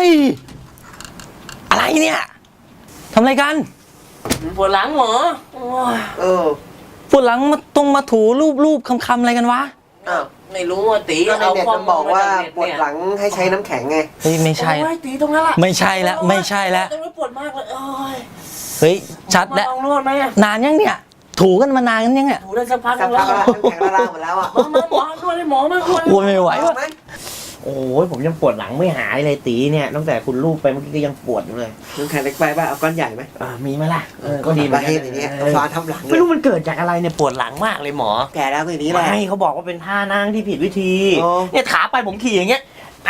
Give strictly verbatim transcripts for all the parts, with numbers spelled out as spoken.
ยอะไรเนี่ยทำอะไรกันปวดหลังหมอเออปวดหลังมาตรงมาถูรูปรูปคำๆอะไรกันวะอ้าวไม่รู้อ่ะตีก็ในเน็ตมันบอกว่าปวดหลังให้ใช้น้ำแข็งไงเฮ้ยไม่ใช่ตีตรงนั้นแหละไม่ใช่แล้วไม่ใช่แล้วตรงนี้ปวดมากเลยเฮ้ยชัดแล้วลองนวดไหมนานยังเนี่ยถูกันมานานกันยังเนี่ยถูได้สักพักสักพักแล้วน้ำแข็งละลายหมดแล้วอ่ะมามาหมอนวดให้หมอมากลัวไม่ไหวโอ้ยผมยังปวดหลังไม่หายเลยตีเนี่ยตั้งแต่คุณลูกไปเมื่อกี้ก็ยังปวดอยู่เลยน้ำแข็งเล็กไปป่ะเอาก้อนใหญ่ไหมอ่ามีไหมล่ะเออก็ดีประเภทอย่างเงี้ยฟ้าทำหลังไม่รู้มันเกิดจากอะไรเนี่ยปวดหลังมากเลยหมอแก่แล้วก็อย่างนี้แหละไม่เขาบอกว่าเป็นท่านั่งที่ผิดวิธีเนี่ยขาไปผมขี่อย่างเงี้ย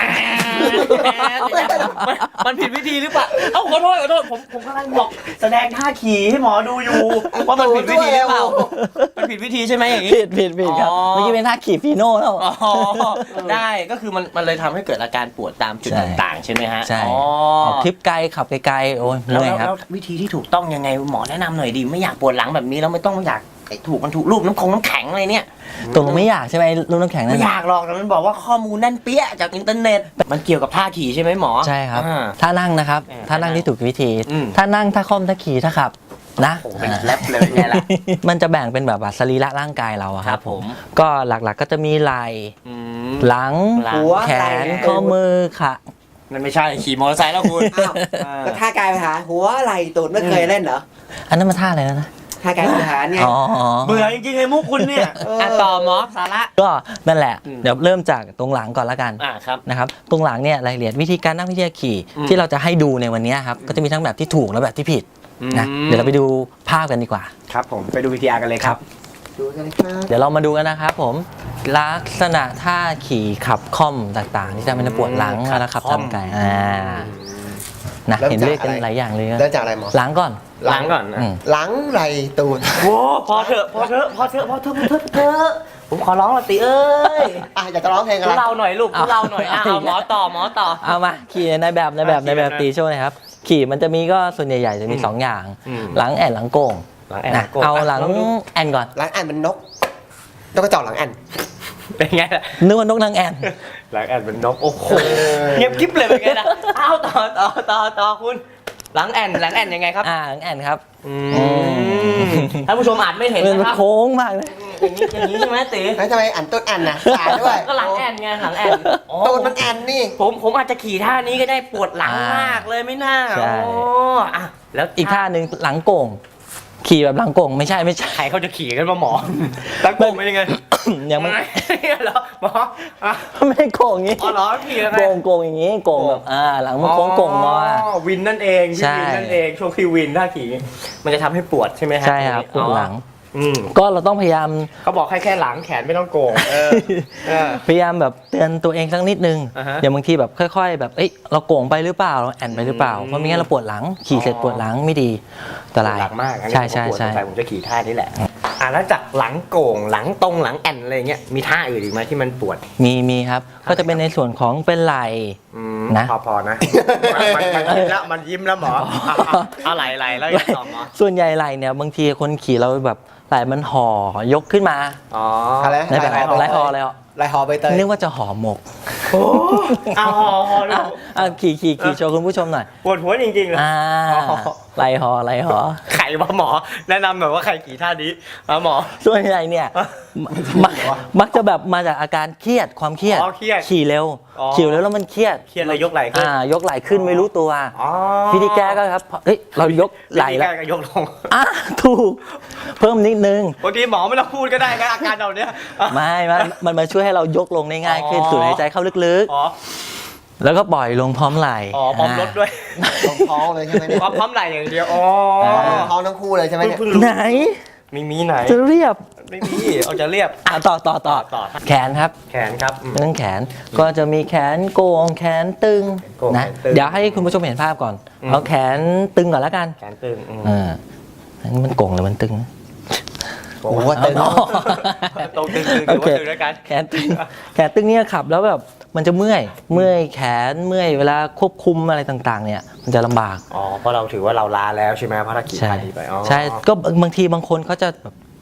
มันผิดวิธีหรือเปล่าเอ้าขอโทษขอโทษผมผมกำลังบอกแสดงท่าขี่ให้หมอดูอยู่ว่ามันผิดวิธีหรือเปล่ามันผิดวิธีใช่ไหมอย่างนี้ผิดผิดผิดครับเมื่อกี้เป็นท่าขี่ฟีโน่แล้วได้ก็คือมันมันเลยทำให้เกิดอาการปวดตามจุดต่างๆใช่ไหมฮะใช่ออกทริปไกลขับไกลๆโอ้ยเหนื่อยครับแล้ววิธีที่ถูกต้องยังไงหมอแนะนำหน่อยดิไม่อยากปวดหลังแบบนี้แล้วไม่ต้องอยากถูกมันถูกรูปน้ำคงน้ำแข็งอะไรเนี่ยตรงไม่อยากใช่ไหมรูปน้ำแข็งนั่นไม่อยากหรอกแต่มันบอกว่าข้อมูลแน่นเปี้ยจากอินเทอร์เน็ตมันเกี่ยวกับท่าขี่ใช่ไหมหมอใช่ครับท่านั่งนะครับท่านั่งที่ถูกวิธีท่านั่งท่าค่อมท่าขี่ท่าขับนะเป็นแรปเลยไงล่ะมันจะแบ่งเป็นแบบว่าสรีระร่างกายเราครับผมก็หลักๆก็จะมีไหล่หลังแขนข้อมือขานั่นไม่ใช่ขี่มอเตอร์ไซค์แล้วคุณก็ท่ากายไปหาหัวไหล่ตูดไม่เคยเล่นเหรออันนั้นมันท่าอะไรนะท่ากายไปหาเนี่ยเบื่อจริงๆไอ้มุกคุณเนี่ยต่อหมอสาระก็นั่นแหละเดี๋ยวเริ่มจากตรงหลังก่อนละกันนะครับตรงหลังเนี่ยรายละเอียดวิธีการนั่งวิธีการขี่ที่เราจะให้ดูในวันนี้ครับก็จะมีทั้งแบบที่ถูกและแบบที่ผิดนะเดี๋ยวเราไปดูภาพกันดีกว่าครับผมไปดูวิธีการกันเลยครับดูกันเลยครับเดี๋ยวเรามาดูกันนะครับผมลักษณะท่าขี่ขับค่อมต่างๆที่ทำให้เราปวดหลังแล้วขับทำไกลอ่านะเห็นเรียกกันหลายอย่างเลยเริ่มจากอะไรหมอหลังก่อนหลังก่อนหลังไหล่ตูดโอ้พอเถอะพอเถอะพอเถอะพอเถอะพอเถอะเถอะผมขอร้องละติเอ้ยอ่ะอยากจะร้องเพลงอะไรเราหน่อยลูกเราหน่อยเอาหมอต่อหมอต่อเอามาขี่ในแบบในแบบในแบบตีโชว์นะครับขี่มันจะมีก็ส่วนใหญ่ๆจะมีสองอย่างหลังแอนหลังโก่งเอาหลังแอนก่อนหลังแอนเป็นนกนกกระจอกหลังแอนเป็นไงล่ะนึกว่านกนางแอนหลังแอนเป็นนกโอ้โหเงียบกิ๊บเลยเป็นไงล่ะเอาต่อต่อต่อต่อคุณหลังแอนหลังแอนยังไงครับอ่าหลังแอนครับท่านผู้ชมอาจไม่เห็นนะครับโค้งมากเลยอย่างนี้อย่างนี้ใช่ไหมตีแล้วทำไมอันต้นแอนนะขาด้วยก็หลังแอนไงหลังแอนตูดมันแอนนี่ผมผมอาจจะขี่ท่านี้ก็ได้ปวดหลังมากเลยไม่น่าโอ้อ่ะแล้วอีกท่าหนึ่งหลังโก่งขี่แบบหลังโก่งไม่ใช่ไม่ใช่เขาจะขี่กันมาหมอหลังโก่งเป็นยังไงยังไม่เหรอหมอไม่ได้โก่งอย่างนี้อ๋อเหรอขี่ยังไงโก่งโก่งอย่างนี้โก่งแบบอ่าหลังมันโค้งโก่งงอวินนั่นเองที่วินนั่นเองช่วงที่วินท่าขี่มันจะทำให้ปวดใช่ไหมฮะใช่ครับปวดหลังอืมก็เราต้องพยายามเขาบอกให้แค่หลังแขนไม่ต้องโกงพยายามแบบเตือนตัวเองสักนิดนึงอย่างบางทีแบบค่อยๆแบบเอ้ยเราโกงไปหรือเปล่าเราแอนไปหรือเปล่าเพราะไม่งั้นเราปวดหลังขี่เสร็จปวดหลังไม่ดีอันตรายหลังมากใช่ใช่ใช่ผมจะขี่ท่านี้แหละอ่ะแล้วจากหลังโก่งหลังตรงหลังแอนอะไรเงี้ยมีท่าอื่นอีกไหมที่มันปวดมีมีครับก็จะเป็นในส่วนของเป็นไหล่นะพอพอนะมันยิ้มแล้วมันยิ้มแล้วหมอเอาไหล่ไหล่แล้วยังต่อหมอส่วนใหญ่ไหล่เนี่ยบางทีคนขี่เราแบบไหล่มันห่อยกขึ้นมาอ๋ออะไรไหล่ไหล่ห่ออะไรอ่ะไหล่ห่อใบเตยนึกว่าจะห่อหมกโอ้เอาห่อห่ออ่ะขี่ขี่ขี่โชว์คุณผู้ชมหน่อยปวดหัวจริงๆเลยอ่าไหล่ห่อไหล่ห่อไข่ว่าหมอแนะนำหน่อยว่าใครขี่ท่านี้หมอส่วนใหญ่เนี่ยมักมักจะแบบมาจากอาการเครียดความเครียดขี่เร็วขี่เร็วแล้วมันเครียดเครียดเลยยกไหล่ขึ้นอ่ายกไหล่ขึ้นไม่รู้ตัววิธีแก้ก็ครับเฮ้ยเรายกไหล่แล้วยกลงอ่ะถูกเพิ่มนิดนึงบางทีหมอไม่ต้องพูดก็ได้นะอาการเราเนี้ยไม่มันมันมาช่วยให้เรายกลงได้ง่ายขึ้นสูดหายใจเข้าลึกๆแล้วก็ปล่อยลงพร้อมไหล่อ๋อพร้อมรถด้วยพร้อมเลยใช่ไหมเนี่ยพร้อมไหล่อย่างเดียวอ๋อพร้อมทั้งคู่เลยใช่ไหมเนี่ยไหนไม่มีไหนจะเรียบไม่มีเอาจะเรียบอ่ะต่อต่อต่อต่อแขนครับแขนครับเรื่องแขนก็จะมีแขนโก่งแขนตึงนะเดี๋ยวให้คุณผู้ชมเห็นภาพก่อนเอาแขนตึงก่อนแล้วกันแขนตึงอ่ามันโก่งหรือมันตึงโอ้โหตึงตรงตึงๆหรือว่าตึงด้วยกันแขนตึงแขนตึงเนี่ยขับแล้วแบบมันจะเมื่อยเมื่อยแขนเมื่อยเวลาควบคุมอะไรต่างๆเนี่ยมันจะลำบากอ๋อเพราะเราถือว่าเราลาแล้วใช่ไหมเพราะถ้าขี่ท่านี้ไปใช่ก็บางทีบางคนเขาจะแบบ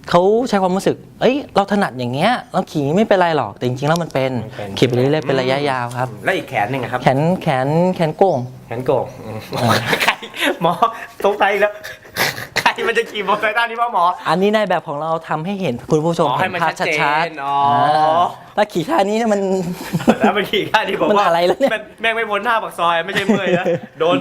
เขาใช้ความรู้สึกเอ้ยเราถนัดอย่างเงี้ยเราขี่ไม่เป็นไรหรอกแต่จริงๆแล้วมันเป็นขี่ไปเรื่อยๆเป็นระยะยาวครับแล้วอีกแขนหนึ่งอะครับแขนแขนแขนโก่งแขนโก่งใครหมอสงสัยแล้วใครมันจะขี่มอเตอร์ไซค์ด้านนี้ป่ะหมออันนี้ในแบบของเราทำให้เห็นคุณผู้ชมอ๋อให้เห็นมันภาพชัดเจชัดนอ๋อๆถ้าขี่ท่านี้เนี่ยมันแล้วมันขี่ข้าที่ผมมันว่าอะไรแล้วเนี่ยแม่งแม่งไม่พ้นหน้าปากซอยไม่ใช่เมื่อยนะโดน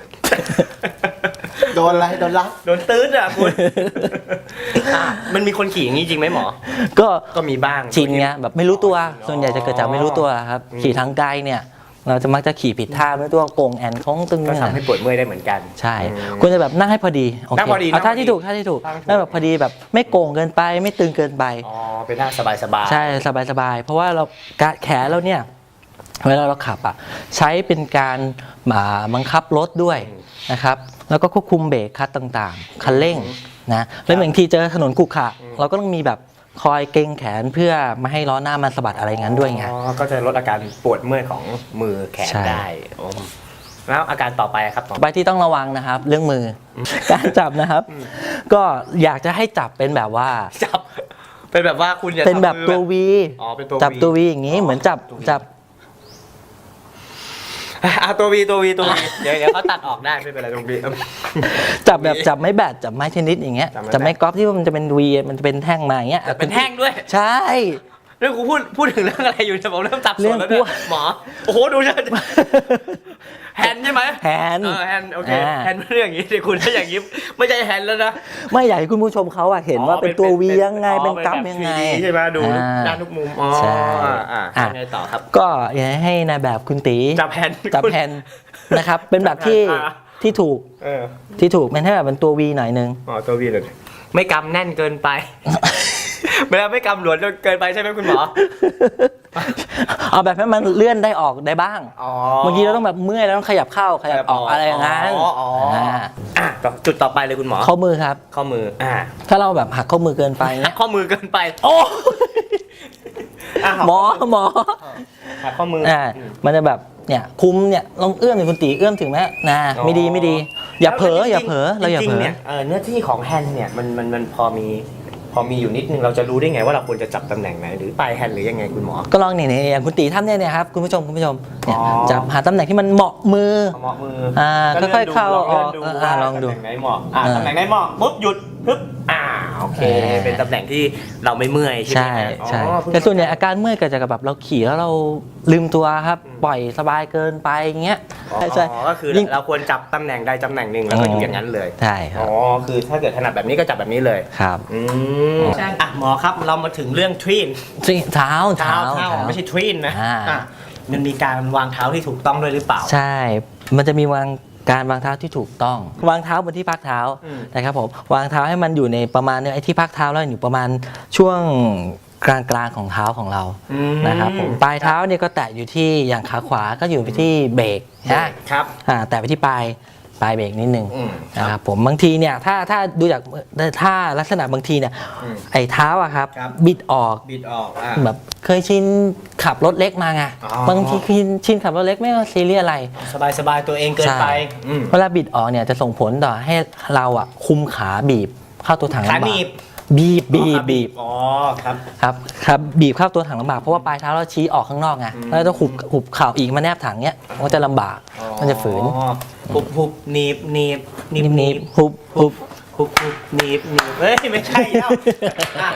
โดนอะไรโดนลักโดนตื้ดอ่ะคุณอ่ะมันมีคนขี่อย่างนี้จริงไหมหมอก็ก็มีบ้างชินไงแบบไม่รู้ตัวส่วนใหญ่จะเกิดจากไม่รู้ตัวครับอืมขี่ทางไกลเนี่ย เราจะมักจะขี่ผิดท่าไม่รู้ตัวโก่งแอนของตึงก็เนี่ยทำให้ปวดเมื่อยได้เหมือนกันใช่อืมควรจะแบบนั่งให้พอดีโอเคนั่งพอดีเอาท่านั่งพอดีที่ถูกท่าที่ถูกนั่งถูกนั่งแบบพอดีแบบไม่โก่งเกินไปไม่ตึงเกินไปอ๋อเป็นหน้าสบายสบายใช่สบายๆเพราะว่าเราการแขนเราเนี่ยเวลาเราขับอ่ะใช้เป็นการอ่าบังคับรถด้วยนะครับแล้วก็ควบคุมเบรกคัดต่างๆคันเร่งนะแล้วบางทีเจอถนนขรุขระเราก็ต้องมีแบบคอยเกรงแขนเพื่อไม่ให้ล้อหน้ามันสะบัดอะไรงั้นด้วยไงอ๋อก็จะลดอาการปวดเมื่อยของมือแขนใช่ได้โอ้แล้วอาการต่อไปครับหมอไปที่ต้องระวังนะครับ เรื่องมืออการจับนะครับ ก็อยากจะให้จับเป็นแบบว่าจับเป็นแบบว่าคุณอย่าเป็นแบบทำมือตัววีอ๋อเป็นตัวจับ V ตัววีอย่างนี้อ๋อเหมือนจับตัว V จับอ่ะตัววีตัววีตัววีเดี๋ยวเดี๋ยวเขาตัดออกได้ไม่เป็นไรตรงวีจับแบบจับไม้แบดจับไม้เทนนิสอย่างเงี้ยจับไม้แบดจับไม้กอล์ฟที่ว่ามันจะเป็นวีมันจะเป็นแท่งมาอย่างเงี้ยเป็นแท่งด้วยใช่เรื่องกูพูดพูดถึงเรื่องอะไรอยู่เนี่ยผมเริ่มสับสนแล้วเรื่เนี่องยกลัวหมอโอ้โหดูจะแฮนด์ใช่ไหมแฮนด์เออแฮนด์โอเคอ่าแฮนด์ไม่เรื่องอย่างนี้สิคุณถ้าอย่างนี้ไม่ใช่แฮนด์แล้วนะไม่อยากให้คุณผู้ชมเขาอะเห็นว่าเป็นตัววียังไงอ๋อเป็นกราฟแบบยังไงทรีดีใช่ไหมดูอ่าด้านทุกมุมอ๋อใช่อ่าอ่ะยังไงต่อครับก็อยากให้นายแบบคุณตีจับแฮนด์จับแฮนด์นะครับ เป็นแบบที่อ่าที่ถูกเออที่ถูกเป็นให้แบบเป็นตัววีหน่อยนึงอ๋อตัววีเลยไม่กำแน่นเกินไป ไม่ได้ไม่กำหลวมจนเกินไปใช่ไหมคุณหมอเอาแบบให้มันเลื่อนได้ออกได้บ้างอ๋อบางทีเราต้องแบบเมื่อยแล้วต้องขยับเข้าขยับออกอะไรอย่างนั้นอ๋ออ๋ออ่าอ่ะต่อจุดต่อไปเลยคุณหมอข้อมือครับข้อมืออ่าถ้าเราแบบหักข้อมือเกินไปเนี้ยข้อมือเกินไปโอ้อ่ะหมอหมอหักข้อมืออ่ามันจะแบบเนี่ยคุมเนี่ยลองเอื้อมถึงคุณตีเอื้อมถึงไหมนะไม่ดีไม่ดี อย่าเผลออย่าเผลอเราอย่าจริเผลงๆอเนี่ยเออเนื้อที่ของแฮนด์เนี่ยมันมันมันพอมีพอมีอยู่นิดนึงเราจะรู้ได้ไงว่าเราควรจะจับตำแหน่งไหนหรือปลายแฮนด์หรือยังไงคุณหมอก็ลองเนี่ยเนี่ยอย่างคุณตีทำเนี่ยเนี่ยครับคุณผู้ชมคุณผู้ชมเนี่ยอ๋อจับหาตำแหน่งที่มันเหมาะมือเอาเหมาะมืออ่าก็ค่อยๆเข้าลองอเลื่ออก นดูอ่าว่าลองดูตำแหน่งไหนเหมาะอ่าอ่าตำแหน่งไหนเหมาะปุ๊บหยุดปึ๊บอ่าโอเคอ่าเป็นตำแหน่งที่เราไม่เมื่อยใช่ไหมใช่ฮะใช่อ๋อเพิ่งแต่ส่วนใหญ่อาการเมื่อยเกิดจากแบบเราขี่แล้วเราลืมตัวครับ ปล่อยสบายเกินไปอย่างเงี้ยอ๋อใช่ใช่ก็คือยิ่งเราควรจับตำแหน่งใดตำแหน่งหนึ่งแล้วก็อยู่อย่างนั้นเลยใช่ครัอ๋บอคือถ้าเกิดถนัดแบบนี้ก็จับแบบนี้เลยครับอืมอ่ะหมอครับเรามาถึงเรื่องทรีนเท้าเท้าเท้าเท้าไม่ใช่ทรีนนะอ่าอ่ะมันมีการวางเท้าที่ถูกต้องด้วยหรือเปล่าใช่ มันจะมีวางการวางเท้าที่ถูกต้อง วางเท้าบนที่พักเท้าอืมนะครับผม วางเท้าให้มันอยู่ในประมาณเนี่ยไอ้ที่พักเท้าแล้วอยู่ประมาณช่วงกลางกลางๆของเท้าของเราอืมนะครับผม ปลายเท้าเนี่ยก็แตะอยู่ที่อย่างขาขวาก็อยู่ไปที่เบรกนะครับ อ่าแตะไปที่ปลายปลายเบรกนิดนึงอืมนะครับผมบางทีเนี่ยถ้าถ้าดูจากถ้าลักษณะบางทีเนี่ยอืมไอ้เท้าอะครับครับบิดออกบิดออกอ่ะแบบเคยชินขับรถเล็กมาไงอ๋อบางทีชินชินขับรถเล็กไม่ว่าซีเรียสอะไรสบายสบายๆตัวเองเกินไปใช่อืมเวลาบิดออกเนี่ยจะส่งผลต่อให้เราอ่ะคุมขาบีบเข้าตัวถังขาลำบาหนีกบบีบบีบบีบอ๋อครับครับครับบีบเข้าตัวถังลำบากเพราะว่าปลายเท้าเราชี้ออกข้างนอกไงอืมแล้วต้องหุบหุบเข่าอีกมาแนบถังเนี้ยมันจะลำบากอ๋อมันจะฝืนหุบหุบหนีบหนีบหนีบนิบนิบหุบหุบหุบหุบหนีบหนีบเฮ้ยไม่ใช่แล้วอ่ะ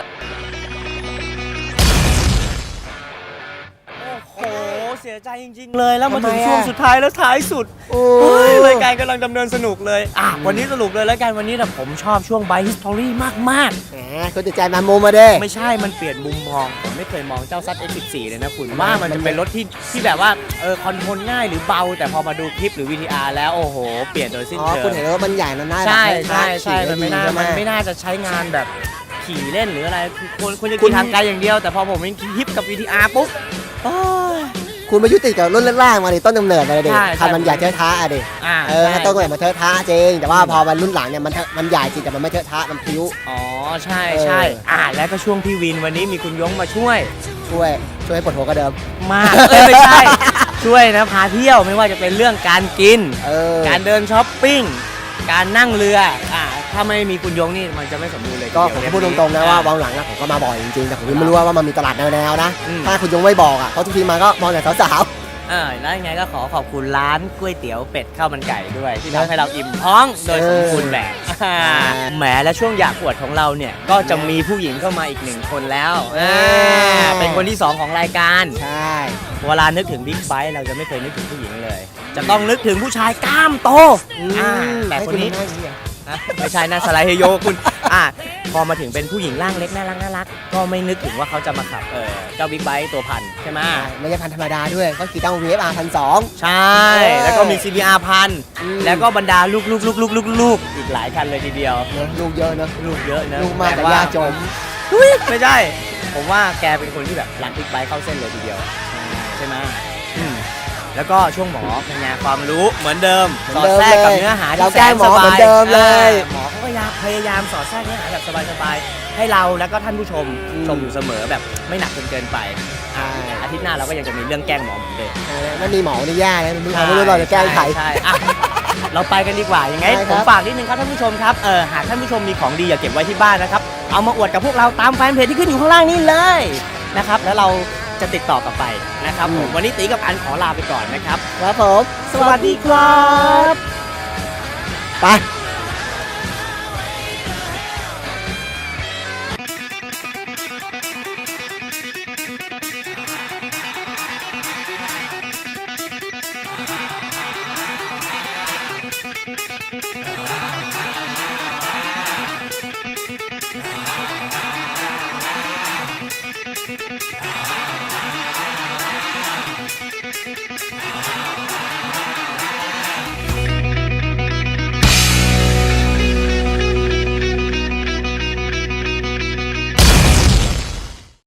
โอ้โหเสียใจจริงๆเลยแล้วมาถึงทำไมอ่ะช่วงสุดท้ายแล้วท้ายสุดโอ้เฮ้ยรายการกำลังดำเนินสนุกเลยอ่ะวันนี้สรุปเลยแล้วกันวันนี้นะผมชอบช่วง Bike History มากๆแหมคุณติดใจมามุมมาเด้ไม่ใช่ มันเปลี่ยนมุมมอง ผมไม่เคยมองเจ้าซัด เอ็กซ์ สิบสี่ เลยนะคุณ ว่ามันจะเป็นรถที่ที่แบบว่า เออ คอนโทรลง่ายหรือเบา แต่พอมาดูคลิปหรือ วี ที อาร์ แล้ว โอ้โห เปลี่ยนโดยสิ้นอ๋อเชิคุณงเห็นว่ามันใหญ่มันน่าใช่แบบใช่ใช่ขี่มันไม่น่าใช่หมันไม่น่าจะใช้งานแบบขี่เล่นหรืออะไรคือควรควรจะคุขี่ณทางไกลอย่างเดียว แต่พอผมเห็นคลิปกับ วี ที อาร์ ปุ๊บโอ้ยคุณมายุติกับรุ่นล่างๆมาดิต้นกำเนิดมาเลยดิใช่ใช่ทำมันใหญ่เทอะทะอะดิอ่าเออใช่ถ้าต้นกำเนิดมันเทอะทะจริง แต่ว่าพอมันรุ่นหลังเนี่ยมันเทอะมันใหญ่จริงแต่มันไม่เทอะทะมันพลิ้วอ๋อ ใช่เออใช่อ่าแล้วก็ช่วงพี่วินวันนี้มีคุณยงมาช่วยช่วยช่วยให้ปวดหัวกว่าเดิมมาก เอ้ยไม่ใช่ ช่วยนะพาเที่ยวไม่ว่าจะเป็นเรื่องการกินเออการเดินช้อปปิ้งการนั่งเรืออ่าถ้าไม่มีคุณยงนี่มันจะไม่สมบูรณ์เลยก็ทีผมเดียวพูดตรงๆนะว่าวังหลังนะผมก็มาบ่อยจริงๆแต่ผมไม่รู้ว่าว่ามันมีตลาดแนวๆนะอืมถ้าคุณยงไม่บอกอ่ะเพราะทุกทีมาก็มองแต่สาวเออแล้วยังไงก็ขอขอบคุณร้านก๋วยเตี๋ยวเป็ดข้าวมันไก่ด้วย ที่ทำให้เราอิ่มท้องโดยสมบูรณ์แบบอ่าแหมและช่วงอยากอวดของเราเนี่ยก็จะมีผู้หญิงเข้ามาอีกหนึ่งคนแล้วอ่าเป็นคนที่สองของรายการๆใช่เวลานึกถึงบิ๊กไบค์เราจะไม่เคยนึกถึงผู้หญิงเลย จะต้องนึกถึงผู้ชายกล้ามโตอ่าแต่คนนี้ให้คุณนั่งอย่างนี้เหรออ่ะไม่ใช่นะสไลด์เฮโยคุณอ่ะพอมาถึงเป็นผู้หญิงร่างเล็กน่ารักน่ารักก็ไม่นึกถึงว่าเขาจะมาขับเออเจ้าบิ๊กไบค์ตัวพันใช่ไหมใช่ไม่ใช่พันธรรมดาด้วยก็คือต้อง วี เอฟ อาร์ พันสองใช่ แล้วก็มี ซี บี อาร์ พันอืมแล้วก็บรรดาลูกลูกลูกลูกลูกลูกอีกหลายคันเลยทีเดียวเนอะลูกเยอะเนอะลูกเยอะนะลูกมากแต่ว่ยากจนอุ๊ยไม่ใช่ ผมว่าแกเป็นคนที่แบบรักบิ๊กไบค์เข้าเส้นเลยทีเดียวใช่ไหมอืมแล้วก็ช่วงหมอเป็นไงความรู้เหมือนเดิมเหมืสอนอดเดิมแทรกกับเลยเนื้อหาเราที่แสแกล้งนหมสอเหมืบาอย นเดิมเลยอ่าหมอเขาก็พยายามพยายามสอดแทรกเนื้อหาแบบสบายๆให้เราแล้วก็ท่านผู้ชมอืมชมอยู่เสมอแบบไม่หนักจนเกินไปอ่าอาทิตย์หน้าเราก็ยังจะมีเรื่องแกล้งหมอเหมือนเดิมเออไม่มีหมอนี่แย่เลยไม่รู้เราไม่รู้เราจะแกล้งใครช่ช่อ่ะเราไปกันดีกว่ายังไงได้ครับผมฝากนิดนึงครับท่านผู้ชมครับเออหากท่านผู้ชมมีของดีอย่าเก็บไว้ที่บ้านนะครับเอามาอวดกับพวกเราตามแฟนเพจที่ขึ้นอยู่ข้างล่างนี้เลยนะครับแล้วเราจะติดต่อกลับไปนะครับผมวันนี้ตีกับอันขอลาไปก่อนนะครับครับผมสวัสดีครับไป